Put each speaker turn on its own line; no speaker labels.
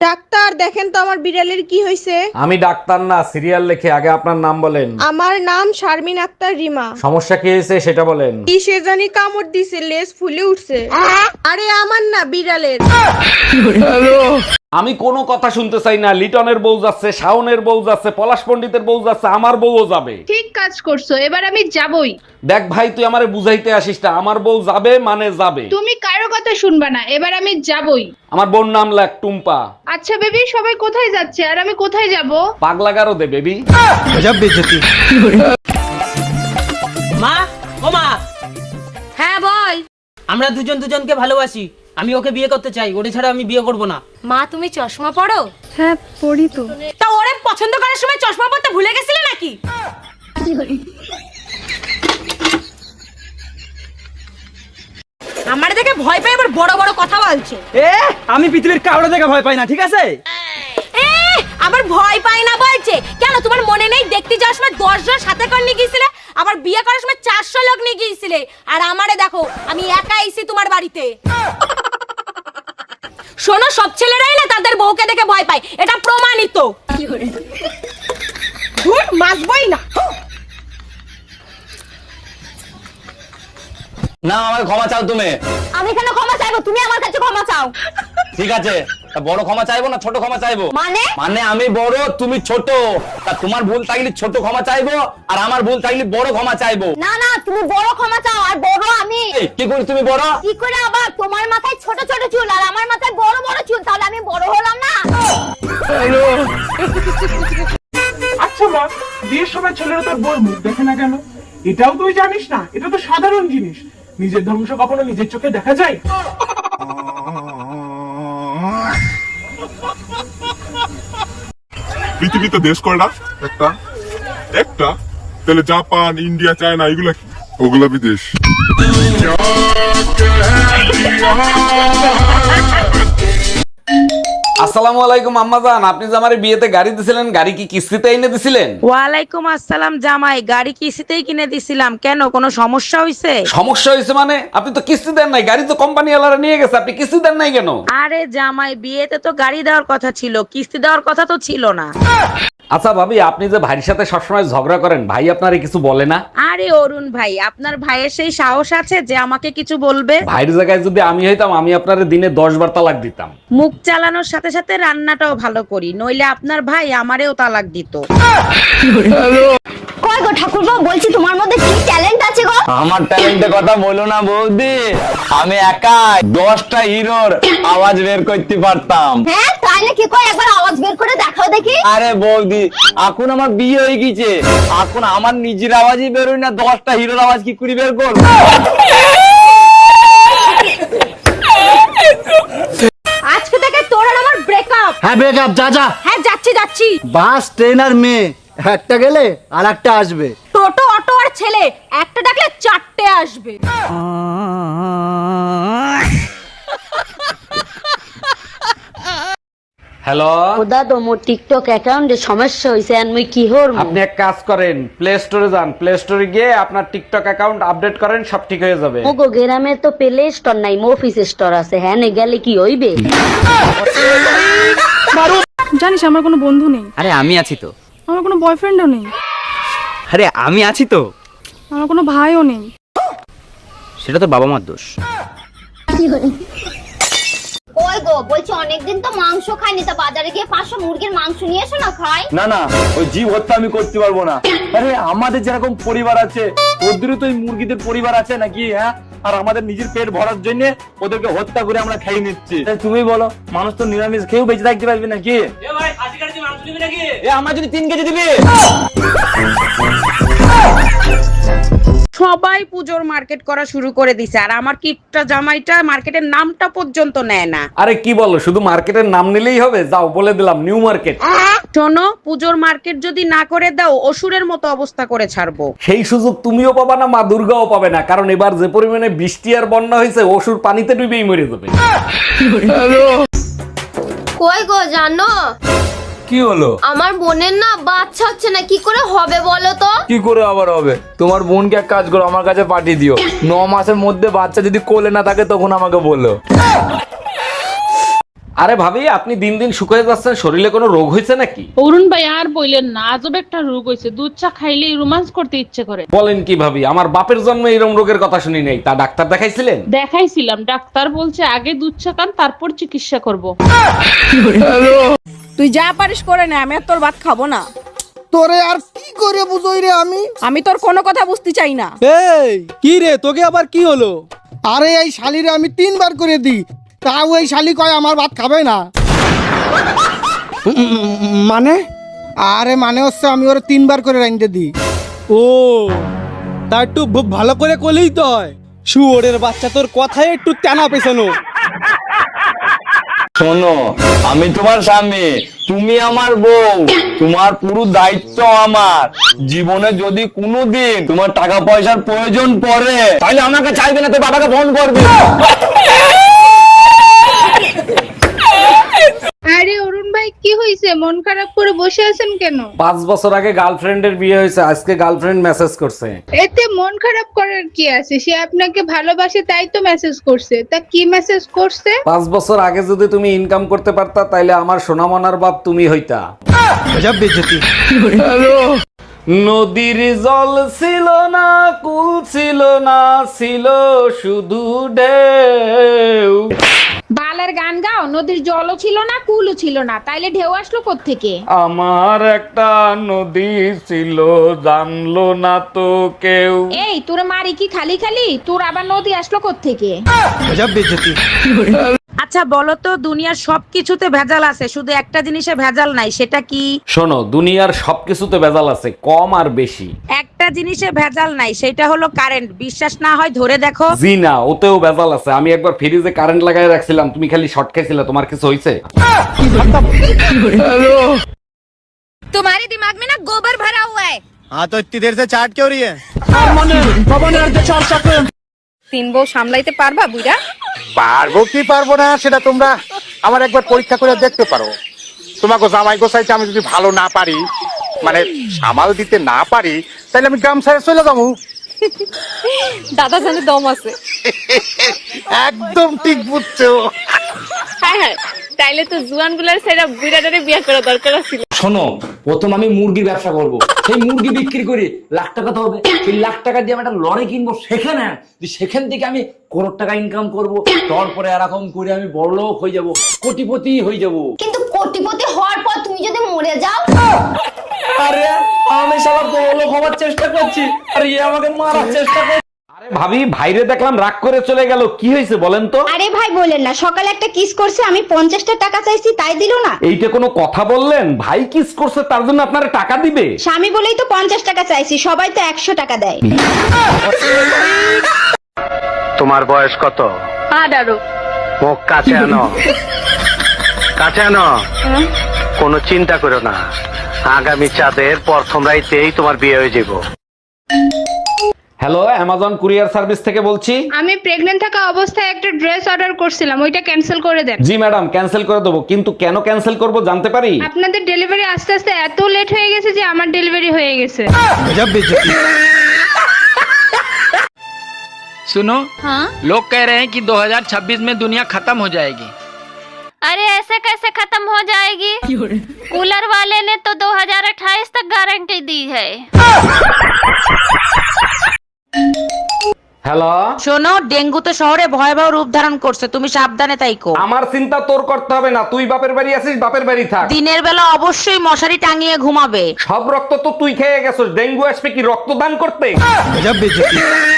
Doctor দেখেন তো আমার বিড়ালের কি হয়েছে।
আমি ডাক্তার না, সিরিয়াল লেখে। আগে আপনার নাম বলেন।
আমার নাম শারমিন আক্তার রিমা।
সমস্যা কি হয়েছে সেটা বলেন।
কি সে জানি কামড় দিছে, লেজ ফুলে উঠছে। আরে আমার না, বিড়ালের।
আমি কোনো কথা শুনতে চাই না। লিটনের বউ যাচ্ছে, শাওনের বউ যাচ্ছে, পলাশ পণ্ডিতের বউ যাচ্ছে, আমার বউও যাবে।
ঠিক কাজ করছো, এবার আমি যাবই।
দেখ ভাই, তুই আমারে বুঝাইতে আসিস না। আমার বউ যাবে মানে যাবে।
তুমি কারো কথা শুনবা না, এবার আমি যাবই।
আমার বোন নাম লাগ টুম্পা।
আচ্ছা বেবি, সবাই কোথায় যাচ্ছে আর আমি কোথায় যাব?
পাগলা গারো দে বেবি।
মা, ও মা,
হ্যাঁ বল।
আমরা দুজন দুজনকে ভালোবাসি। আমি ওকে বিয়ে করতে চাই, ওরে ছাড়া আমি বিয়ে করব না।
মা তুমি চশমা পরো?
হ্যাঁ পড়ি তো।
তা ওরে পছন্দ করার সময় চশমা পরতে ভুলে গেছিলে নাকি? আমার দেখে ভয় পাই, আবার বড় বড় কথা বলছে।
আমি পৃথিবীর কাউরে দেখে ভয় পাই না, ঠিক আছে?
আবার ভয় পাই না বলছে কেন? তোমার মনে নেই দেখতে যাওয়ার সময় 10 জন সাথে করে নিয়ে গিয়েছিলে, আবার বিয়ে করার সময় 400 লোক নিয়ে গিয়েছিলে, আর আমারে দেখো আমি একা আইছি তোমার বাড়িতে। শোনো, সব ছেলেরাই না তাদের বউকে দেখে ভয় পায়, এটা প্রমাণিত। ধুর, মাসবই না।
না, আমার ক্ষমা চাও তুমি।
আমি কেন ক্ষমা চাইবো? তুমি আমার কাছে ক্ষমা চাও।
ঠিক আছে, তা বড় ক্ষমা চাইবো না ছোট ক্ষমা চাইবো?
মানে
আমি বড়, তুমি ছোট। তা তোমার ভুল থাকলে ছোট ক্ষমা চাইবো, আর আমার ভুল থাকলে বড় ক্ষমা চাইবো।
না না, তুমি বড় ক্ষমা চাও, আর বড় আমি।
এই, কি করি তুমি বড়?
কি করে আবার? তোমার মাথায় ছোট ছোট চুল আর আমার মাথায় বড় বড় চুল, তাহলে আমি বড় হলাম না?
আচ্ছা মা, বিয়ের সময় ছেলেরা তোর বউর মুখ দেখে না কেন? এটাও তুই জানিস না? এটা তো সাধারণ জিনিস। নিজের ধ্বংস কখনো নিজের চোখে দেখা যায়?
পৃথিবীতে দেশ কয়টা? একটা। একটা? তাহলে জাপান, ইন্ডিয়া, চায়না এগুলা কি? ওগুলা বিদেশ।
আসসালামু আলাইকুম আম্মাজান, আপনি যে আমার বিয়েতে গাড়ি দিছিলেন, গাড়ি কি কিস্তিতে এনে দিছিলেন?
ওয়ালাইকুম আসসালাম জামাই, গাড়ি কিস্তিতেই কিনে দিছিলাম। কেন, কোনো সমস্যা হইছে?
সমস্যা হয়েছে মানে? আপনি তো কিস্তি দেন নাই, গাড়ি তো কোম্পানি ওয়ালারা নিয়ে গেছে, আপনি কিস্তি দেন নাই কেন?
আরে জামাই, বিয়েতে তো গাড়ি দেওয়ার কথা ছিল, কিস্তি দেওয়ার কথা তো ছিল না।
আচ্ছা ভাবি, আপনি যে ভাইয়ের সাথে সবসময় ঝগড়া করেন, ভাই আপনারে কিছু বলে না?
আরে অরুণ ভাই, আপনার ভাইয়ের সেই সাহস আছে যে আমাকে কিছু বলবে?
ভাইয়ের জায়গায় যদি আমি হইতাম, আমি আপনারে দিনে 10 বার তালাক দিতাম।
মুখ চালানোর সাথে সাথে রান্নাটাও ভালো করি, নইলে আপনার ভাই আমারেও তালাক দিত।
কই গো ঠাকুরপো, বলছি তোমার মধ্যে কি ট্যালেন্ট আছে গো?
আমার ট্যালেন্টের কথা বলো না বৌদি। আমি একা 10টা হিরোর আওয়াজ বের করতে পারতাম।
হ্যাঁ তাই নাকি? কই একবার আওয়াজ বের করে দেখাও দেখি।
আরে বৌদি, এখন আমার বিয়ে হয়ে গেছে, এখন আমার নিজের আওয়াজই বেরোয় না, 10টা হিরোর আওয়াজ কি করে বের করব?
আজকে থেকে তোর আর আমার ব্রেকআপ।
হ্যাঁ ব্রেকআপ, যা যা।
হ্যাঁ যাচ্ছি যাচ্ছি।
বাস, ট্রেন আর মেয়ে, একটা গেলে আর একটা আসবে।
টোটো, অটো আর ছেলে, একটা ডাকলে 4টে আসবে।
হ্যালো,
দাদা মোর টিকটক অ্যাকাউন্টে সমস্যা হইছে, আর মুই কি হরমু?
আপনি এক কাজ করেন, প্লে স্টোরে যান, প্লে স্টোরে গিয়ে আপনার টিকটক অ্যাকাউন্ট আপডেট করেন, সব ঠিক হয়ে যাবে।
মোগো গ্রামে তো প্লে স্টোর নাই, অফিস স্টোর আছে। হ্যাঁ নে গেলে কি হইবে?
জানিস আমার কোনো বন্ধু নেই,
আরে আমি আছি তো।
আমার কোনো বয়ফ্রেন্ডও নেই,
আরে আমি আছি তো।
আমার কোনো ভাইও নেই।
সেটা তো বাবা মার দোষ।
ওই গো, বলছি অনেকদিন তো মাংস খাইনি, তা বাজারে গিয়ে 500 মুরগির মাংস নিয়ে এসো না, খাই।
না না, ওই জীব হত্যা আমি করতে পারবো না। আরে আমাদের যেরকম পরিবার আছে, ওদেরও তো ওই মুরগিদের পরিবার আছে নাকি? হ্যাঁ, আর আমাদের নিজের পেট ভরার জন্য ওদেরকে হত্যা করে আমরা খাই নিচ্ছি। তুমি বলো, মানুষ তো নিরামিষ খেয়েও বেঁচে থাকতে পারবে নাকি? আমার যদি 3 কেজি দিবি।
সবাই পুজোর মার্কেট করা শুরু করে দিছে, আর আমার কিটটা জামাইটা মার্কেটের নামটা পর্যন্ত নেয় না।
আরে কি বলো, শুধু মার্কেটের নাম নিলেই হবে? যাও, বলে দিলাম নিউ মার্কেট।
শোনো, পুজোর মার্কেট যদি না করে দাও, অসুরের মতো অবস্থা করে ছাড়বো।
সেই সুযোগ তুমিও পাবা না, মা দুর্গাও পাবে না, কারণ এবার যে পরিমাণে বৃষ্টি আর বন্যা হয়েছে, অসুর পানিতে ডুবেই মরে যাবে।
কই গো জানো,
কি হলো?
আমার বোনের না বাচ্চা হচ্ছে না, কি করে হবে বলো তো?
কি করে আবার হবে? তোমার বোনকে এক কাজ করো, আমার কাছে পাঠিয়ে দিও। 9 মাসের মধ্যে বাচ্চা যদি কোলে না থাকে তখন আমাকে বলো।
আরে ভাবি, আপনি দিন দিন শুকিয়ে যাচ্ছেন, শরীরে কোনো রোগ হয়েছে নাকি?
অরুণ ভাই আর বললেন না, আজব একটা রোগ হয়েছে, দুধ চা খাইলেই রোমান্স করতে ইচ্ছে করে।
বলেন কি ভাবি, আমার বাপের জন্ম এরকম রোগের কথা শুনি নাই। তা ডাক্তার দেখাইছিলেন?
দেখাইছিলাম, ডাক্তার বলছে আগে দুধ চা খান, তারপর চিকিৎসা করব।
তুই যা পারিস করে নে, আমি আর তোর ভাত খাবো না।
তোরে আর কি করে বুঝই রে
আমি তোর কোনো কথা বুঝতে চাই না।
এই কি রে, তোকে আবার কি হলো? আরে এই শালিরে আমি 3 বার করে দিই, তাও এই শালি কয় আমার ভাত খাবে না। মানে? আরে মানে হচ্ছে আমি ওরে 3 বার করে রাইন্দে দিই। ও তা একটু ভালো করে কলেই তো হয়। শুয়োরের বাচ্চা, তোর কথায় একটু টানা পেছানো।
শোনো, আমি তোমার স্বামী, তুমি আমার বউ, তোমার পুরো দায়িত্ব আমার। জীবনে যদি কোনোদিন তোমার টাকা পয়সার প্রয়োজন পড়ে, তাহলে আমাকে চাইবে না, তো বাবাকে ফোন করবে।
আরে অরুণ ভাই, কি হয়েছে? মন খারাপ করে বসে আছেন কেন?
5 বছর আগে গার্লফ্রেন্ডের বিয়ে হয়েছে, আজকে গার্লফ্রেন্ড মেসেজ করছে।
এতে মন খারাপ করার কি আছে? সে আপনাকে ভালোবাসে তাই তো মেসেজ করছে। তা কি মেসেজ করছে?
5 বছর আগে যদি তুমি ইনকাম করতে পারতা, তাইলে আমার সোনামনার বাপ তুমি হইতা। নদীর জল ছিল না, কুল ছিল না, ছিল শুধু ঢেউ।
বালের গান গাও, নদীর জলও ছিল না, কুলও ছিল না, তাইলে ঢেউ আসলো কোত্থেকে?
আমার একটা নদী ছিল, জানলো না তো কেউ।
এই তোরে মারি কি খালি খালি? তোর আবার নদী আসলো কোত্থেকে? আচ্ছা বলো তো, দুনিয়ার সবকিছুতে ভেজাল আছে, শুধু একটা জিনিসে ভেজাল নাই, সেটা কি?
শোনো, দুনিয়ার সবকিছুতে ভেজাল আছে, কম আর বেশি।
একটা জিনিসে ভেজাল নাই, সেটা হলো কারেন্ট। বিশ্বাস না হয় ধরে দেখো।
জি না, ওতেও ভেজাল আছে। আমি একবার ফ্রিজে কারেন্ট লাগাই রাখছিলাম, তুমি খালি শর্ট খাইছিলে, তোমার কিছু হয়েছে?
तुम्हारे दिमाग में ना गोबर भरा हुआ है।
हाँ तो इतनी देर से चाट क्यों रही है?
3 বউ সামলাইতে পারবা বুইড়া?
পারবো কি পারবো না সেটা তোমরা আমার একবার পরীক্ষা করে দেখতে পারো। তোমাকে জামাই গোসাইতে আমি যদি ভালো না পারি, মানে সামাল দিতে না পারি, তাহলে আমি গ্রাম ছেড়ে চলে যাবো।
দাদা জানে দম আছে।
একদম ঠিক বুঝছো।
হ্যাঁ হ্যাঁ, তাইলে তো জুয়ানগুলোর সেরা বুইড়াটারে বিয়ে করা দরকার ছিল।
শোনো, প্রথম আমি মুরগির ব্যবসা করব। সেই মুরগি বিক্রি করে লাখ টাকা তো হবে। সেই লাখ টাকা দিয়ে আমি একটা লরি কিনবো, সেখান থেকে আমি করোড় টাকা ইনকাম করব। তারপরে এরকম করে আমি বড়লোক হয়ে যাব, কোটিপতি হয়ে যাব।
কিন্তু কোটিপতি হওয়ার পর তুমি যদি মরে যাও?
আরে আমি শালা বড়লোক হওয়ার চেষ্টা করছি, আর এ আমাকে মারার চেষ্টা করছে।
আরে ভাবি, ভাইরে দেখলাম রাগ করে চলে গেল, কি হয়েছে বলেন তো?
আরে ভাই বলেন না, সকালে একটা কিস করছে, আমি 50টা টাকা চাইছি তাই দিল না।
এইটা কোনো কথা বললেন? ভাই কিস করছে তার জন্য আপনারা টাকা দিবে?
স্বামী বলেই তো 50 টাকা চাইছি, সবাই তো 100 টাকা দেয়।
তোমার বয়স কত?
18।
মুখ কাছে আনো, কাছে আনো। কোনো চিন্তা করো না, আগামী চাঁদের প্রথম রাইতেই তোমার বিয়ে হয়ে যাব।
হ্যালো, অ্যামাজন কুরিয়ার সার্ভিস থেকে বলছি।
আমি প্রেগন্যান্ট থাকা অবস্থায় একটা ড্রেস অর্ডার করছিলাম, ওইটা ক্যান্সেল করে দেন।
জি ম্যাডাম, ক্যান্সেল করে দেবো, কিন্তু কেন ক্যান্সেল করব জানতে পারি?
আপনাদের ডেলিভারি আস্তে আস্তে এত লেট হয়ে গেছে যে আমার ডেলিভারি হয়ে গেছে।
सुनो,
हाँ?
लोग कह रहे हैं कि 2026 में दुनिया खत्म हो जाएगी।
अरे ऐसे कैसे खत्म हो जाएगी? कूलर वाले ने तो 2028 तक गारंटी दी है।
হ্যালো,
শোনো, ডেঙ্গু তো শহরে ভয়াবহ রূপ ধারণ করছে, তুমি সাবধানে তাইকো।
আমার চিন্তা তোর করতে হবে না, তুই বাপের বাড়ি আছিস, বাপের বাড়ি থাক।
দিনের বেলা অবশ্যই মশারি টাঙিয়ে ঘুমাবে।
সব রক্ত তো তুই খেয়ে গেছিস, ডেঙ্গু আসবে কি রক্তদান করতে?